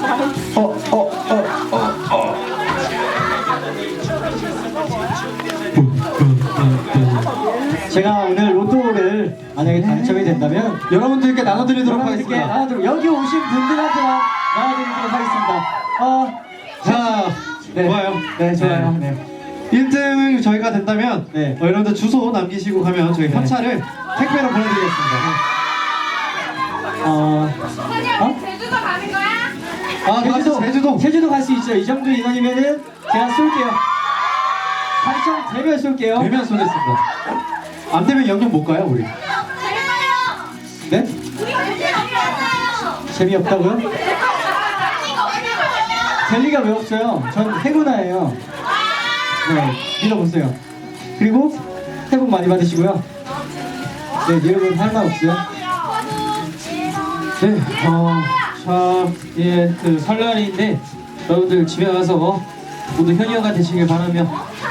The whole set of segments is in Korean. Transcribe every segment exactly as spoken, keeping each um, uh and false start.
어, 어, 어, 어, 어. 제가 오늘 로또를 만약에 당첨이 된다면 여러분들께 나눠드리도록 여러분들께 하겠습니다. 나눠드리고 여기 오신 분들한테만 나눠드리도록 하겠습니다. 어, 자, 네. 좋아요. 네, 좋아요. 네. 네. 일 등 저희가 된다면 네. 어, 여러분들 주소 남기시고 가면 저희 네. 현찰을 택배로 보내드리겠습니다. 어, 선영, 제주도 가는 거야? 아, 제주도, 제주도. 제주도 갈 수 있죠. 이 정도 인원이면은 제가 쏠게요. 당첨되면 쏠게요. 되면 쏘겠습니다. 안 되면 영영 못 가요, 우리. 재밌어요. 네? 우리 재밌어요. 재미없다고요? 이거 어디가 젤리가 왜 없어요? 전 해군아예요. 네, 믿어보세요. 그리고 새해 복 많이 받으시고요. 네, 여러분 할 말 없어요? 네, 어, 참, 예, 그 설날인데 여러분들 집에 가서 모두 현이어가 되시길 바라며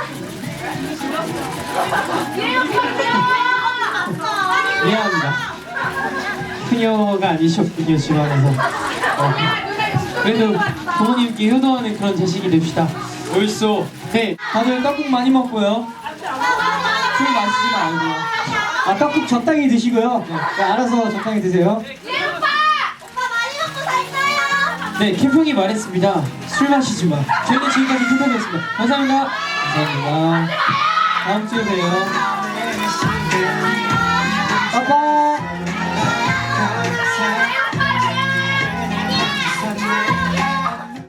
미안합니다. 현이어가 아니셨군요, 집에 가서. 어, 그래도 부모님께 효도하는 그런 자식이 됩시다. 옳소. 네, 다들 떡국 많이 먹고요. 술 마시지 말고요. 아, 떡국 적당히 드시고요. 네, 알아서 적당히 드세요. 오빠! 오빠 많이 먹고 살 거야. 네, 캠핑이 말했습니다. 술 마시지 마. 저희는 지금까지 캠핑이었습니다. 감사합니다. 감사합니다. 다음 주에 봬요. 빠빠!